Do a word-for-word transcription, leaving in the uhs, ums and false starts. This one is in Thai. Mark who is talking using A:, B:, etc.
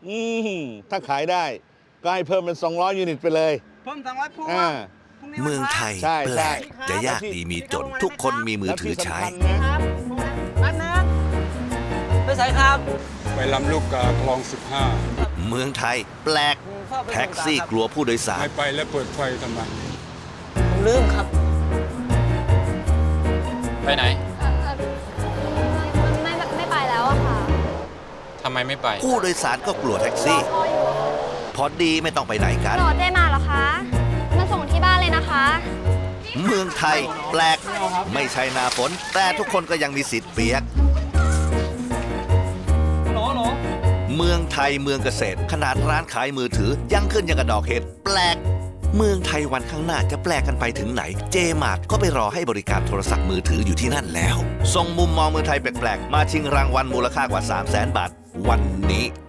A: อืมถ้าขายได้ก็ให้เพิ่มเป็นสองร้อยยูนิตไปเลย
B: เพิ่มสองร้อยพวง
A: อ่า
B: พรุ่นี้วัน
C: เมือง
B: พระ
C: ไทย
A: ใช่
C: แปล
A: ใช่
C: กจะยากดีมีจน ทุกคนมีมือถือใช้
A: แล้วที่สำคัญนะ
B: ครับอันนึงไปใส่ครับ
D: ไปลำลูกกาคลองสิบห้า
C: เมืองไทยแปลกแท็กซี่กลัวผู้โดยสาร
D: ไม่ไปแล้วเปิดไฟทำไม
B: ผมลืมครับ
E: ไปไหน
F: เอ่อเอ่อไม่ไม่ไม่ไปแล้วอะค่ะ
E: ทำไมไม่ไป
C: ผู้โดยสารก็กลัวแท็กซี่
F: รอพ่ออยู่
C: พอดีไม่ต้องไปไหนกัน
F: รอเจ๊มาเหรอคะ มาส่งที่บ้านเลยนะคะ
C: เมืองไทยแปลกไม่ใช่หน้าฝนแต่ทุกคนก็ยังมีสิทธิ์เปียก
B: โหลโหล
C: เมืองไทยเมืองเกษตร ขนาดร้านขายมือถือยังขึ้นยังกระดอกเห็ดแปลก เมืองไทยวันข้างหน้าจะแปลกกันไปถึงไหน เจมาร์ทก็ไปรอให้บริการโทรศัพท์มือถืออยู่ที่นั่นแล้ว ส่งมุมมองเมืองไทยแปลกๆมาชิงรางวัลมูลค่ากว่า สามแสน บาท วันนี้